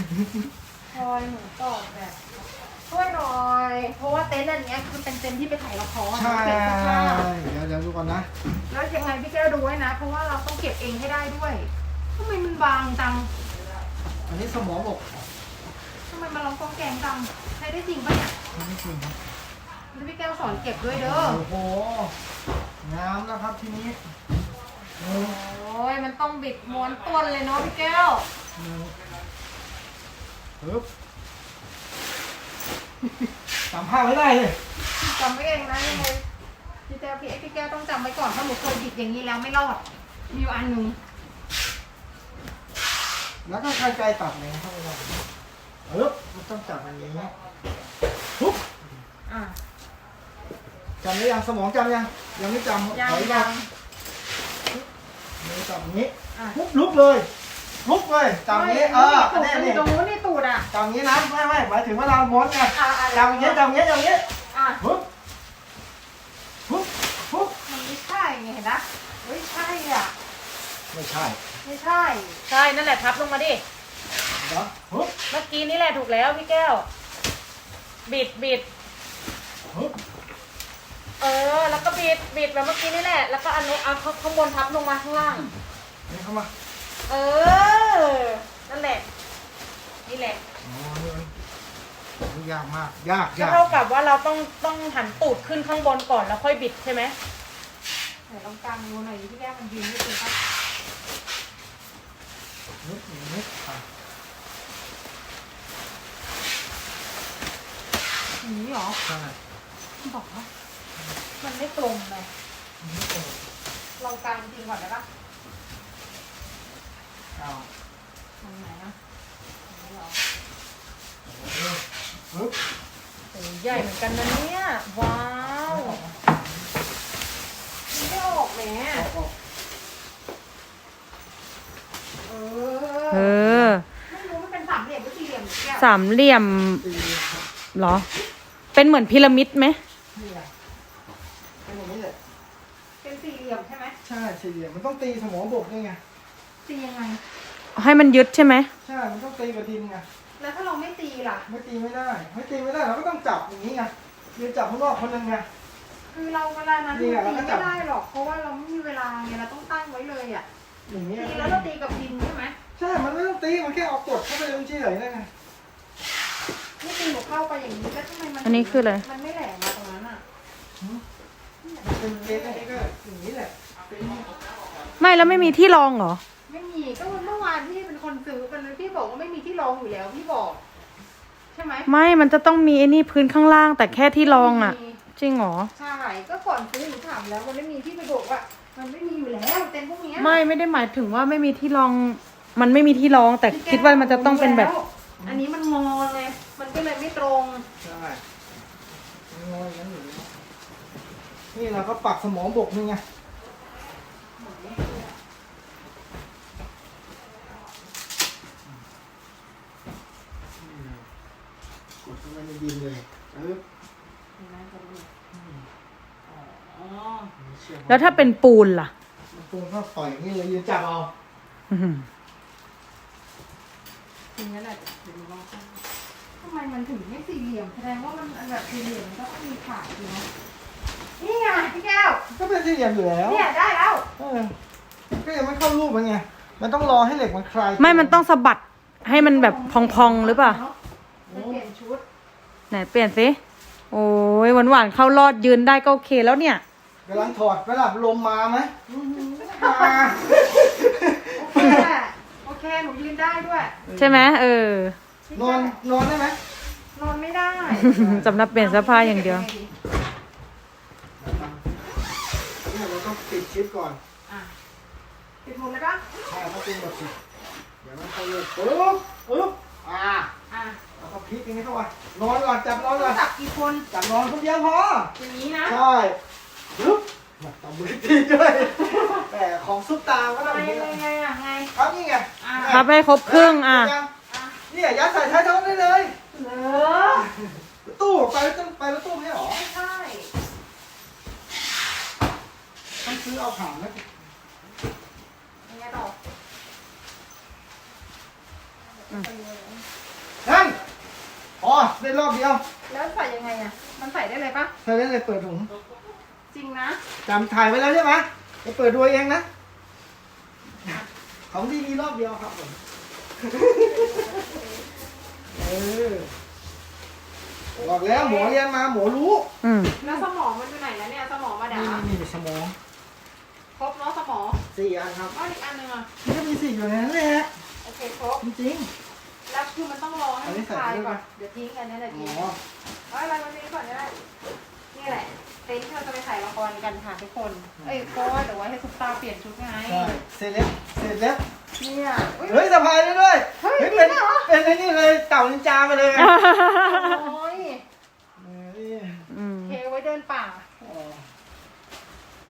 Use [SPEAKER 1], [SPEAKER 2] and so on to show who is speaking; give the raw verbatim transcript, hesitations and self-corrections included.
[SPEAKER 1] พลอยหนูตอบแบบช่วยหน่อยเพราะว่าเต็นท์อันเนี้ยคือเป็นเต็นท์ที่ไปถ่ายละคร
[SPEAKER 2] ใช่
[SPEAKER 1] เก็บเสื้อผ้า
[SPEAKER 2] เดี๋ยวเดี๋ยวดูก่อนนะ
[SPEAKER 1] แล้วยังไงพี่แก้วดูไว้นะ เพราะว่าเราต้องเก็บเองให้ได้ด้วยทำไมมันบางจัง
[SPEAKER 2] อันนี้สมองบก
[SPEAKER 1] ทำไมมันร้องกองแกงจังใช้ได้จริงปะเนี่ย
[SPEAKER 2] ไม่จริงครับ
[SPEAKER 1] แล้วพี่แก้วสอนเก็บด้วยเด้อ
[SPEAKER 2] โอ้โหงามนะครับทีนี้หนึ่ง
[SPEAKER 1] โอ้ยมันต้องบิดม้วนต้นเลยเนาะพี่แก้ว
[SPEAKER 2] หนึ่งปึ๊บจำภาพไว้ได้เลย
[SPEAKER 1] จำไว้เองนะยังไงพี่แก้วพี่พี่แก้วต้องจำไว้ก่อนเพราะหนูเคยบิดอย่างนี้แล้วไม่รอดมีอยู่อันหนึ่ง
[SPEAKER 2] แล้วก็ใครไกลตัดเลยเข้าไปได้ปึ๊บมันต้องจับอย่างนี้ปุ๊บ
[SPEAKER 1] อ่ะ
[SPEAKER 2] จำได้ยังสมองจำยังยังไม่จำ
[SPEAKER 1] ยัง
[SPEAKER 2] ถอย
[SPEAKER 1] ยั
[SPEAKER 2] มาง มือจับอย่างนี้
[SPEAKER 1] อ่ะ
[SPEAKER 2] ปุ๊บลุกเลยลุกเลยจับอย่างนี้เออ
[SPEAKER 1] ตูด
[SPEAKER 2] แน่
[SPEAKER 1] มันอ
[SPEAKER 2] นี่
[SPEAKER 1] ยู่ตรงนู้นนี่ตูดอ่ะ
[SPEAKER 2] จับอย่างนี้นะไม่ไม่หมายถึงว่าเราม้วนไง
[SPEAKER 1] อ่ะอ่ะ
[SPEAKER 2] จับอย่างนี้จับอย่างนี้จับอย่างนี้
[SPEAKER 1] อ่ะ
[SPEAKER 2] ปุ๊บปุ๊บปุ๊บ
[SPEAKER 1] มันไม่ใช่ไงเห็นนะเฮ้ยใช่อ่ะ
[SPEAKER 2] ไม่ใช่
[SPEAKER 1] ไม่ใช่ ใช่นั่นแหละทับลงมาดิ
[SPEAKER 2] เดี๋ยวปุ๊บ
[SPEAKER 1] เมื่อกี้นี่แหละถูกแล้วพี่แก้ว บิดบิด
[SPEAKER 2] ปุ๊บ
[SPEAKER 1] เออ แล้วก็บิดบิดแบบเมื่อกี้นี่แหละ แล้วก็อันนี้เอาข้างบนทับลงมาข้างล่าง
[SPEAKER 2] นี่เข้ามา
[SPEAKER 1] เออ นั่นแหละ นี่แหละ
[SPEAKER 2] อ๋อนี่มันยากมากยาก
[SPEAKER 1] ก็
[SPEAKER 2] ยาก
[SPEAKER 1] เท่ากับว่าเราต้องต้องหันตูดขึ้นข้างบนก่อนแล้วค่อยบิดใช่ไหมไหนลองกางดูหน่อยพี่แก้วมันยืนไม่ถึงปะ
[SPEAKER 2] นิดนิดอ่ะ
[SPEAKER 1] อย่างนี้เหรอ
[SPEAKER 2] ใช่
[SPEAKER 1] บอกว่ามันไม่ตรงเลย
[SPEAKER 2] นิดเดียว
[SPEAKER 1] ลองกางจริงก่อนได้ปะ
[SPEAKER 2] เอา
[SPEAKER 1] ตรงไหนอะตรงนี้เหรอ
[SPEAKER 2] ปึ๊บ
[SPEAKER 1] โอ้ยใหญ่เหมือนกันนะเนี่ย ว้าวมันไม่ออกแหม
[SPEAKER 2] ออกออก
[SPEAKER 1] เอ
[SPEAKER 3] เอ
[SPEAKER 1] อ
[SPEAKER 3] อ
[SPEAKER 1] ไม่รู้มันเป็นสามเหลี่ยมหรือสี่เหลี่ยมหรือแก้ว
[SPEAKER 3] สามเหลี่ยม
[SPEAKER 2] ตีครับ
[SPEAKER 3] เหรอ เป็นเหมือนพีระมิดไหม
[SPEAKER 2] นี่ไงเป็นอย่างนี้เลย
[SPEAKER 1] เป็นสี่เหลี่ยมใช่ไหม
[SPEAKER 2] ใช่สี่เหลี่ยมมันต้องตีสมองบกด้วยไง
[SPEAKER 1] ตียังไง
[SPEAKER 3] ให้มันยึดใช่ไหม
[SPEAKER 2] ใช่มันต้องตีกับดินไง
[SPEAKER 1] แล้วถ้าเราไม่ตีล่ะ
[SPEAKER 2] ไม่ตีไม่ได้ไม่ตีไม่ได้เราก็ต้องจับอย่างนี้ไงยืนจับข้างนอกคนหนึงไง
[SPEAKER 1] คือเราเวลานั้น
[SPEAKER 2] นี่
[SPEAKER 1] ตี
[SPEAKER 2] ไงเราก็
[SPEAKER 1] ไม่
[SPEAKER 2] จับ
[SPEAKER 1] ได้หรอก เพราะว่าเราไม่มีเวลาไงเราต้องตั้งไว้เลยอ่ะ
[SPEAKER 2] อย่างนี้
[SPEAKER 1] ตีแล้วเราตีกับดินใช่ไหม
[SPEAKER 2] ใช่ มันไม่ต้องตี มันแค่เอากดเข้าไปตรงที่ไหนได้ไง
[SPEAKER 1] นี่ตีหนูเข้าไปอย่างนี้แล้วทำไมมัน
[SPEAKER 3] อันนี้คืออะไร
[SPEAKER 1] มันไม่แหลมมาตรงนั้นอ่ะ
[SPEAKER 2] เป็นเกณฑ์นี่ก็อย่างนี้แหละเป็น
[SPEAKER 3] ไม่แล้วไม่มีที่รองเหรอ
[SPEAKER 1] ไม่มีก็เมื่อวานพี่เป็นคนซื้อกันเลยพี่บอกว่าไม่มีที่รองอยู่แล้วพี่บอก ใช่ไหม
[SPEAKER 3] ไม่ มันจะต้องมีไอ้นี่พื้นข้างล่าง แต่แค่ที่รองอ่ะ
[SPEAKER 1] ไม่มี
[SPEAKER 3] จริงเหรอ
[SPEAKER 1] ใช่ก็ก่อนซื้อหนูถามแล้วมันไม่มีพี่ไปบอกว่า มันไม่มีอยู่แล้วเต็นท์พวกเนี้ย
[SPEAKER 3] ไม่ ไม่ได้หมายถึงว่าไม่มีที่รอง มันไม่มีที่รอง แต่คิดว่ามันจะต้องเป็นแบบ
[SPEAKER 1] อันนี้มันงอไงมันก็เลยไม่ตรง
[SPEAKER 2] ใช่งอยงั้นอยู่นี่เราก็ปักสมองบกนึงไงกดเข้าไปในดินเลยเออ
[SPEAKER 1] อ๋อ
[SPEAKER 3] แล้วถ้าเป็นปูนล่ะ
[SPEAKER 2] มันปูนก็ปล่อยอย่างนี้เลยยืนจับเอา
[SPEAKER 3] อื้อหือ
[SPEAKER 1] ทีนี้แหละเดี๋ยวดูลองกันทำไมมันถึงไม่สี่เหลี่ยมแสดงว่ามันอันแบบสี่เหลี่ยมมันก็ต้องมีขาอยู่เนาะนี่ไงพี่แก้ว
[SPEAKER 2] ก็เป็นสี่เหลี่ยมอยู่แล้ว
[SPEAKER 1] เนี่ยได้แล้ว
[SPEAKER 2] เออก็ยังไม่เข้ารูปมันไง มันต้องรอให้เหล็กมันคลาย
[SPEAKER 3] ไม่ มันต้องสะบัดให้มันแบบพองๆหรือเปล่า
[SPEAKER 1] ไปเปลี่ยนชุด
[SPEAKER 3] ไหนเปลี่ยนสิ โอ้ยหวานๆเข้ารอดยืนได้ก็โอเคแล้วเนี่ย
[SPEAKER 2] กำลังถอดไปหลับลมมาไหมมา
[SPEAKER 1] โอเคแหละโอเคหนูยืนได้ด้วย
[SPEAKER 3] ใช่ไหมเออ
[SPEAKER 2] นอนนอนได้ไหม
[SPEAKER 1] นอนไม่ได้
[SPEAKER 3] สำหรับเปลี่ยนเสื้อผ้าอย่างเดียว
[SPEAKER 2] นี่เราต้องปิดชิปก่อน
[SPEAKER 1] อ่ะปิดหมดเลยปะ
[SPEAKER 2] ใช่ต้องปิดหมดสิเดี๋ยวมันเข้าเลยปึ๊บปึ๊บอ่า
[SPEAKER 1] อ่ะ
[SPEAKER 2] แล้วก็พลิกอย่างนี้เข้าไปนอนก่อนจับนอนก่อน
[SPEAKER 1] จับกี่คน
[SPEAKER 2] จับนอนคนเดียวพอ
[SPEAKER 1] อย่างนี้นะ
[SPEAKER 2] ใช่ปึ๊บมาตบมือทีด้วยแต่ของซุปตาก็ต้อง
[SPEAKER 1] ไง
[SPEAKER 2] อย่างนี้
[SPEAKER 1] ไงไงอ่ะไง
[SPEAKER 2] ครับนี่ไง
[SPEAKER 1] อ่ะ
[SPEAKER 3] พับให้ครบครึ่งอ่ะ
[SPEAKER 1] อ่ะ
[SPEAKER 2] นี่ยัดใส่ท้ายท้องได้เลย
[SPEAKER 1] เหรอ
[SPEAKER 2] ตู้ไปแล้วต้องไปแล้วตู้ไม่ใช่หรอ
[SPEAKER 1] ไม่ใช่
[SPEAKER 2] ต้องซื้อเอาผ่านนะ
[SPEAKER 1] ยังไงต่อ
[SPEAKER 3] อืม
[SPEAKER 1] ไปเลย
[SPEAKER 2] ได้รอบเดียว
[SPEAKER 1] แล้วใส่ยังไงอ่ะ มันใส่ได้เลยปะ
[SPEAKER 2] ใช้ได้เลยเปิดถุง
[SPEAKER 1] จริงนะ
[SPEAKER 2] จำถ่ายไว้แล้วใช่ไหมจะเปิดดูเองนะ ของที่มีรอบเดียวครับผม เออ บอกแล้วหมอเรียนมาหมอรู้
[SPEAKER 3] อืม
[SPEAKER 1] แล้วสมองมันอยู่ไหนแล้วเนี่ยสมองมาด่า
[SPEAKER 2] นี่นี่สมอง
[SPEAKER 1] ครบเนาะสมอง
[SPEAKER 2] สี่อันครับ
[SPEAKER 1] อ้าวอีกอันหนึงอ่ะ
[SPEAKER 2] มันก็มีสี่อยู่ในนั้นแหละ
[SPEAKER 1] โอเคครบ
[SPEAKER 2] จริง
[SPEAKER 1] แล้วคือมันต้องรอให้
[SPEAKER 2] อันนี้
[SPEAKER 1] มัน
[SPEAKER 2] ใส่
[SPEAKER 1] คลาย
[SPEAKER 2] ได้ไหม
[SPEAKER 1] ก่อน เดี๋ยวทิ้งกันนี่แหละ
[SPEAKER 2] ๆ
[SPEAKER 1] ทิ้
[SPEAKER 2] อ๋
[SPEAKER 1] ง
[SPEAKER 2] อ
[SPEAKER 1] เอาอะไรวันนี้ก่อนก็ได้ นี่แหละ เต็นท์ที่เราจะไปถ่ายละครกันค่ะทุกคน เอ้ยเพราะว่าเดี๋ยวไว้ให้ซุปตาเปลี่ยนชุดไง
[SPEAKER 2] ใช่เสร็จแล้วเสร็จแล้ว
[SPEAKER 1] เนี่ยอุ๊ย
[SPEAKER 2] เฮ้ยสะพายได้ด้วย
[SPEAKER 1] เฮ้ย
[SPEAKER 2] เป็น
[SPEAKER 1] จริงเหรอ
[SPEAKER 2] เป็นไอ้นี่เลยเต่านินจาไปเลยอะ
[SPEAKER 1] โอ้ย
[SPEAKER 2] เออ
[SPEAKER 3] อืม
[SPEAKER 1] เคไว้เดินป่า